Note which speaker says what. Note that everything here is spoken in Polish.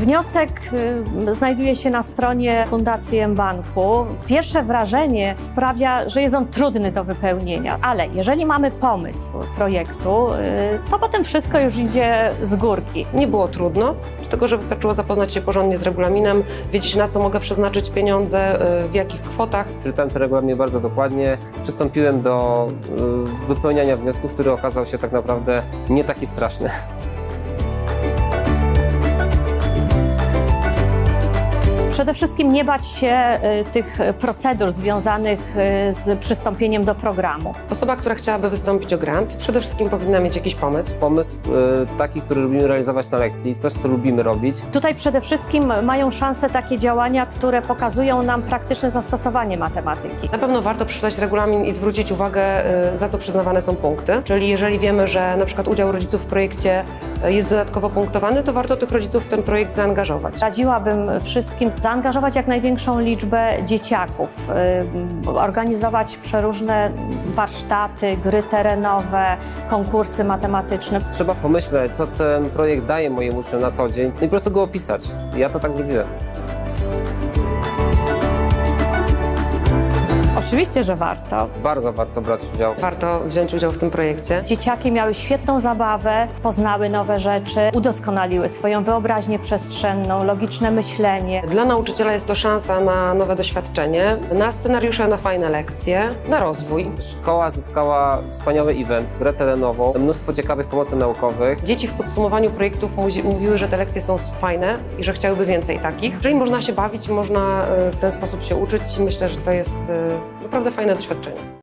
Speaker 1: Wniosek znajduje się na stronie Fundacji mBanku. Pierwsze wrażenie sprawia, że jest on trudny do wypełnienia, ale jeżeli mamy pomysł projektu, to potem wszystko już idzie z górki.
Speaker 2: Nie było trudno, dlatego że wystarczyło zapoznać się porządnie z regulaminem, wiedzieć, na co mogę przeznaczyć pieniądze, w jakich kwotach.
Speaker 3: Przeczytałem ten regulamin bardzo dokładnie, przystąpiłem do wypełniania wniosku, który okazał się tak naprawdę nie taki straszny.
Speaker 1: Przede wszystkim nie bać się tych procedur związanych z przystąpieniem do programu.
Speaker 2: Osoba, która chciałaby wystąpić o grant, przede wszystkim powinna mieć jakiś pomysł.
Speaker 3: Pomysł taki, który lubimy realizować na lekcji, coś, co lubimy robić.
Speaker 1: Tutaj przede wszystkim mają szansę takie działania, które pokazują nam praktyczne zastosowanie matematyki.
Speaker 2: Na pewno warto przeczytać regulamin i zwrócić uwagę, za co przyznawane są punkty. Czyli jeżeli wiemy, że na przykład udział rodziców w projekcie jest dodatkowo punktowany, to warto tych rodziców w ten projekt zaangażować.
Speaker 1: Radziłabym wszystkim zaangażować jak największą liczbę dzieciaków, organizować przeróżne warsztaty, gry terenowe, konkursy matematyczne.
Speaker 3: Trzeba pomyśleć, co ten projekt daje moim uczniom na co dzień, no i po prostu go opisać. Ja to tak zrobiłem.
Speaker 1: Oczywiście, że warto.
Speaker 3: Bardzo warto brać udział.
Speaker 2: Warto wziąć udział w tym projekcie.
Speaker 1: Dzieciaki miały świetną zabawę, poznały nowe rzeczy, udoskonaliły swoją wyobraźnię przestrzenną, logiczne myślenie.
Speaker 2: Dla nauczyciela jest to szansa na nowe doświadczenie, na scenariusze, na fajne lekcje, na rozwój.
Speaker 3: Szkoła zyskała wspaniały event, grę terenową, mnóstwo ciekawych pomocy naukowych.
Speaker 2: Dzieci w podsumowaniu projektów mówiły, że te lekcje są fajne i że chciałyby więcej takich. Jeżeli można się bawić, można w ten sposób się uczyć i myślę, że to jest naprawdę fajne doświadczenie.